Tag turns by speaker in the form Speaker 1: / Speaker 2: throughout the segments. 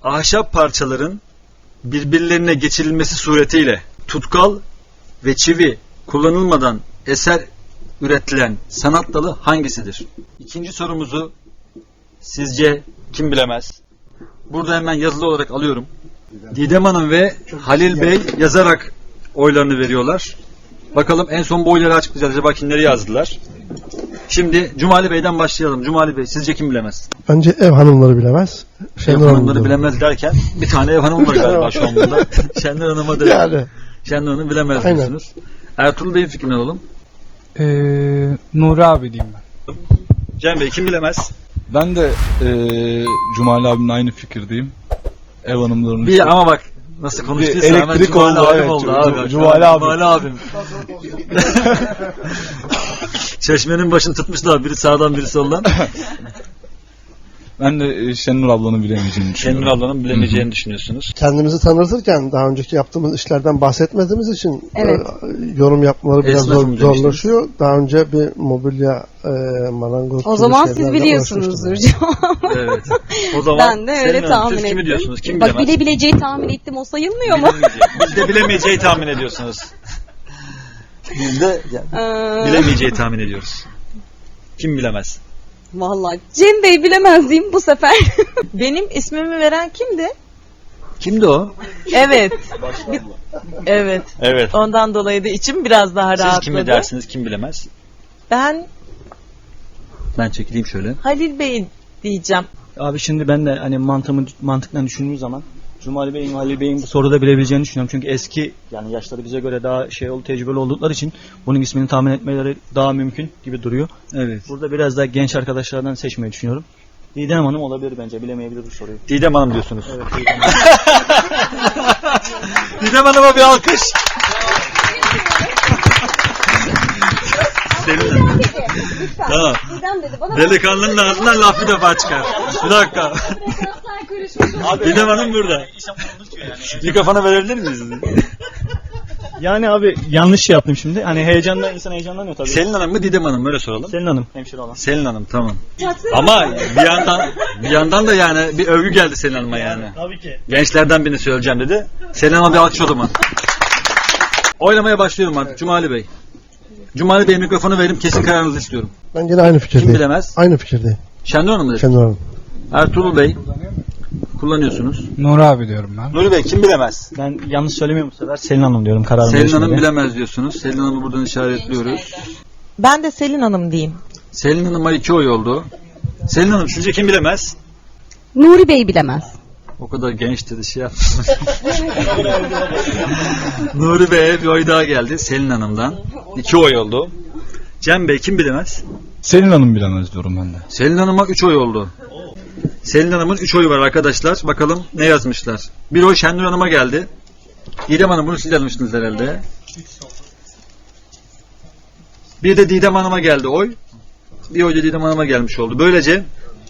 Speaker 1: ahşap parçaların birbirlerine geçirilmesi suretiyle tutkal ve çivi kullanılmadan eser üretilen sanat dalı hangisidir? İkinci sorumuzu sizce kim bilemez? Burada hemen yazılı olarak alıyorum. Didem Hanım ve Halil Bey yazarak oylarını veriyorlar. Bakalım en son bu oyları açıklayacağız. Acaba kimleri yazdılar? Şimdi Cumali Bey'den başlayalım. Cumali Bey sizce kim bilemez?
Speaker 2: Bence ev hanımları bilemez.
Speaker 1: Ev hanımları bilemez derken bir tane ev hanımı var galiba şu an burada. Şenler Hanım'a da
Speaker 2: yani.
Speaker 1: Şenler Hanım bilemez
Speaker 2: Aynen.
Speaker 1: diyorsunuz. Ertuğrul Bey'in fikrini alalım.
Speaker 3: Nuri abi diyeyim ben.
Speaker 1: Cem Bey kim bilemez?
Speaker 4: Ben de Cumali abimle aynı fikirdeyim. Ev hanımlarının
Speaker 1: Bir ama bak nasıl konuştuysa hemen
Speaker 4: elektrik
Speaker 1: Cumali
Speaker 4: oldu,
Speaker 1: abim
Speaker 4: evet.
Speaker 1: oldu abi.
Speaker 4: Cumali abim.
Speaker 1: Cumali abim. Çeşmenin başını tutmuşlar. Biri sağdan biri soldan.
Speaker 4: Ben de Şenur ablanın bilemeyeceğini düşünüyorum.
Speaker 1: Şenur ablanın bilemeyeceğini düşünüyorsunuz.
Speaker 2: Kendimizi tanıtırken daha önceki yaptığımız işlerden bahsetmediğimiz için
Speaker 5: Evet.
Speaker 2: Yorum yapmaları biraz
Speaker 1: Esnafım
Speaker 2: zorlaşıyor. Daha önce bir mobilya marangoz
Speaker 5: O
Speaker 2: gibi
Speaker 5: zaman siz
Speaker 2: şeylerle
Speaker 5: biliyorsunuzdur.
Speaker 2: uğraşmıştım.
Speaker 1: Evet. O zaman
Speaker 5: Ben de öyle
Speaker 1: Selin Hanım,
Speaker 5: tahmin
Speaker 1: siz
Speaker 5: ettim.
Speaker 1: kimi diyorsunuz? Kim
Speaker 5: Bak
Speaker 1: bilemez?
Speaker 5: bilebileceği tahmin ettim, o sayılmıyor mu?
Speaker 1: Biz de bilemeyeceği tahmin ediyorsunuz. Biz de bilemeyeceği tahmin ediyoruz. Kim bilemez?
Speaker 5: Vallahi Cem Bey bilemez diyeyim bu sefer.
Speaker 6: Benim ismimi veren kimdi?
Speaker 1: Kimdi o?
Speaker 6: Evet. Evet.
Speaker 1: Evet.
Speaker 6: Ondan dolayı da içim biraz daha
Speaker 1: Siz
Speaker 6: rahatladı.
Speaker 1: kimi dersiniz? Kim bilemez?
Speaker 6: Ben
Speaker 1: Ben çekileyim şöyle.
Speaker 6: Halil Bey diyeceğim.
Speaker 3: Abi şimdi ben de hani mantıkla düşündüğüm zaman Cumali Bey'in, Halil Bey'in bu soruda bilebileceğini düşünüyorum. Çünkü eski, yani yaşları bize göre daha tecrübeli oldukları için bunun ismini tahmin etmeleri daha mümkün gibi duruyor.
Speaker 1: Evet.
Speaker 3: Burada biraz daha genç arkadaşlardan seçmeyi düşünüyorum. Didem Hanım olabilir bence, bilemeyebilir bu soruyu.
Speaker 1: Didem Hanım diyorsunuz.
Speaker 3: Evet, Didem Hanım.
Speaker 1: Didem Hanım'a bir alkış. Selin. Tamam. Delikanlının ağzından laf bir defa çıkar. Bir dakika. Didem Hanım burada. Mikrofonu verebilir miyiz?
Speaker 3: Yani abi yanlış şey yaptım şimdi. Hani insan heyecanlanıyor tabii.
Speaker 1: Selin Hanım mı Didem Hanım mı? Öyle soralım.
Speaker 3: Selin Hanım, hemşire olan.
Speaker 1: Selin Hanım tamam. Ama bir yandan da yani bir övgü geldi Selin Hanım'a yani.
Speaker 3: Tabii ki.
Speaker 1: Gençlerden birini söyleyeceğim dedi. Selin Hanım'a bir alkış o zaman. Oylamaya başlıyorum artık Cumali Bey. Cumali Bey'e mikrofonu verim, kesin kararınızı istiyorum.
Speaker 2: Ben yine aynı fikirdeyim.
Speaker 1: Kim bilemez?
Speaker 2: Aynı fikirdeyim.
Speaker 1: Şendur Hanım mı dedi?
Speaker 2: Şenur Hanım.
Speaker 1: Ertuğrul Bey kullanıyorsunuz.
Speaker 3: Nuri abi diyorum ben.
Speaker 1: Nuri Bey kim bilemez?
Speaker 3: Ben yanlış söylemiyorum bu sefer. Selin Hanım diyorum kararımı.
Speaker 1: Selin Hanım
Speaker 3: değişmedi.
Speaker 1: bilemez diyorsunuz. Selin Hanım'ı buradan işaretliyoruz.
Speaker 6: Ben de Selin Hanım diyeyim.
Speaker 1: Selin Hanım'a 2 oy oldu. Selin Hanım sizce kim bilemez?
Speaker 5: Nuri Bey bilemez.
Speaker 1: O kadar genç dedi şey yapmış. Nuri Bey'e bir oy daha geldi Selin Hanım'dan. 2 oy oldu. Cem Bey kim bilemez?
Speaker 4: Selin Hanım bilemez diyorum ben de.
Speaker 1: Selin Hanım'a 3 oy oldu. Selin Hanım'ın 3 oyu var arkadaşlar. Bakalım ne yazmışlar. Bir oy Şendur Hanım'a geldi. Didem Hanım bunu siz yazmıştınız herhalde. Bir de Didem Hanım'a geldi oy. Bir oy da Didem Hanım'a gelmiş oldu. Böylece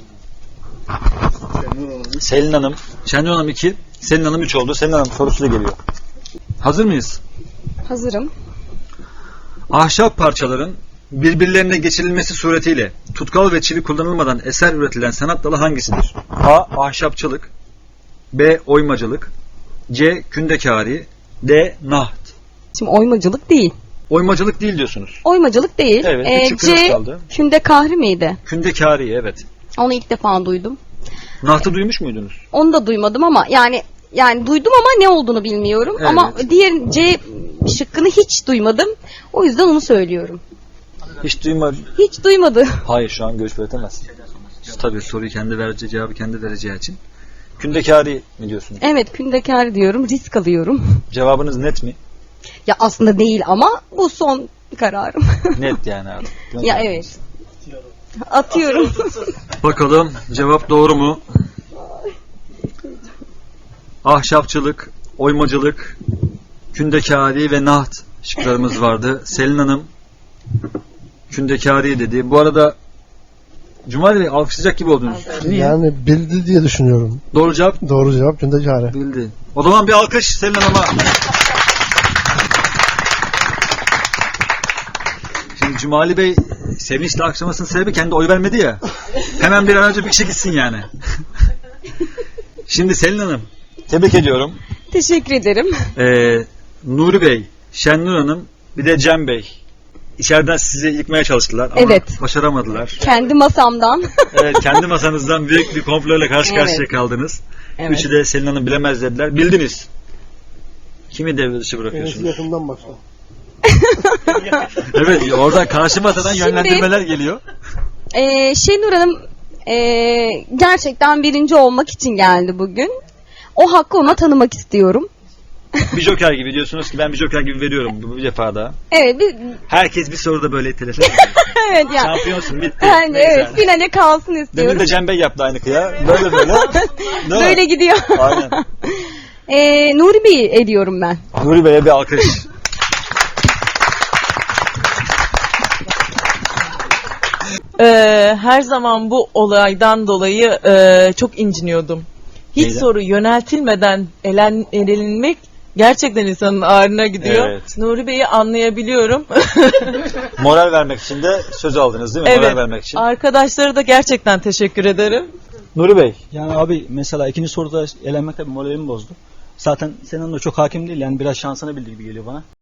Speaker 1: Selin Hanım, Şendur Hanım 2, Selin Hanım 3 oldu. Selin Hanım sorusuyla geliyor. Hazır mıyız?
Speaker 5: Hazırım.
Speaker 1: Ahşap parçaların birbirlerine geçirilmesi suretiyle tutkal ve çivi kullanılmadan eser üretilen sanat dalı hangisidir? A. Ahşapçılık, B. Oymacılık, C. Kündekari, D. Naht.
Speaker 5: Şimdi oymacılık değil.
Speaker 1: Oymacılık değil diyorsunuz.
Speaker 5: Oymacılık değil.
Speaker 1: Evet, bir şıkkınız
Speaker 5: C.
Speaker 1: kaldı.
Speaker 5: Kündekahri miydi?
Speaker 1: Kündekari evet.
Speaker 5: Onu ilk defa duydum.
Speaker 1: Nahtı duymuş muydunuz?
Speaker 5: Onu da duymadım ama yani duydum ama ne olduğunu bilmiyorum.
Speaker 1: Evet.
Speaker 5: Ama diğer C şıkkını hiç duymadım. O yüzden onu söylüyorum.
Speaker 1: Hiç duymadım.
Speaker 5: Hiç duymadı.
Speaker 1: Hayır şu an görüş belirtemez. Tabii soruyu kendi vereceği cevabı kendi vereceği için. Kündekari mi diyorsunuz?
Speaker 5: Evet, kündekar diyorum. Risk alıyorum.
Speaker 1: Cevabınız net mi?
Speaker 5: Ya aslında değil ama bu son kararım.
Speaker 1: Net yani abi.
Speaker 5: Ya evet. Atıyorum.
Speaker 1: Bakalım cevap doğru mu? Ahşapçılık, oymacılık, kündekari ve naht şıklarımız vardı. Selin Hanım kündekari dedi. Bu arada Cumali Bey alkışlayacak gibi oldunuz. Niye?
Speaker 2: Yani bildi diye düşünüyorum.
Speaker 1: Doğru cevap
Speaker 2: Doğru cevap Kündekari.
Speaker 1: bildi. O zaman bir alkış Selin Hanım'a. Şimdi Cumali Bey sevinçle alkışlamasının sebebi kendi oy vermedi ya. Hemen bir an önce bir kişi gitsin yani. Şimdi Selin Hanım, tebrik ediyorum.
Speaker 5: Teşekkür ederim.
Speaker 1: Nuri Bey, Şenur Hanım, bir de Cem Bey. İçeriden sizi yıkmaya çalıştılar ama
Speaker 5: Evet.
Speaker 1: başaramadılar.
Speaker 5: Kendi masamdan.
Speaker 1: Evet, kendi masanızdan büyük bir komployla karşı
Speaker 5: Evet.
Speaker 1: karşıya kaldınız.
Speaker 5: Evet.
Speaker 1: Üçü de Selin Hanım bilemez dediler. Bildiniz. Kimi devre dışı
Speaker 2: Enes'i
Speaker 1: bırakıyorsunuz?
Speaker 2: yakından başla.
Speaker 1: Evet, oradan karşı masadan
Speaker 5: Şimdi-
Speaker 1: yönlendirmeler geliyor.
Speaker 5: Şenur Hanım gerçekten birinci olmak için geldi bugün. O hakkı ona tanımak istiyorum.
Speaker 1: Bir joker gibi diyorsunuz ki ben bir joker gibi veriyorum bu defa da.
Speaker 5: Evet,
Speaker 1: Herkes bir soruda böyle itelese.
Speaker 5: evet yani.
Speaker 1: Şampiyonsun bitti.
Speaker 5: Yani
Speaker 1: Neyse.
Speaker 5: evet, finale kalsın
Speaker 1: Demin
Speaker 5: istiyorum.
Speaker 1: de Cem Bey yaptı aynı kıya. Böyle böyle. Değil
Speaker 5: Böyle
Speaker 1: mi?
Speaker 5: gidiyor.
Speaker 1: Aynen.
Speaker 5: Nuri Bey'i ediyorum ben.
Speaker 1: Nuri Bey'e bir alkış.
Speaker 6: Her zaman bu olaydan dolayı çok inciniyordum. Hiç
Speaker 1: Neyden?
Speaker 6: soru yöneltilmeden elenmek gerçekten insanın ağrına gidiyor.
Speaker 1: Evet.
Speaker 6: Nuri Bey'i anlayabiliyorum.
Speaker 1: Moral vermek için de söz aldınız değil mi? Moral vermek için.
Speaker 6: Arkadaşlara da gerçekten teşekkür ederim.
Speaker 1: Nuri Bey.
Speaker 3: Yani abi mesela ikinci soruda elenmek tabii moralimi bozdu. Zaten senin de çok hakim değil yani biraz şansına bildiği gibi geliyor bana.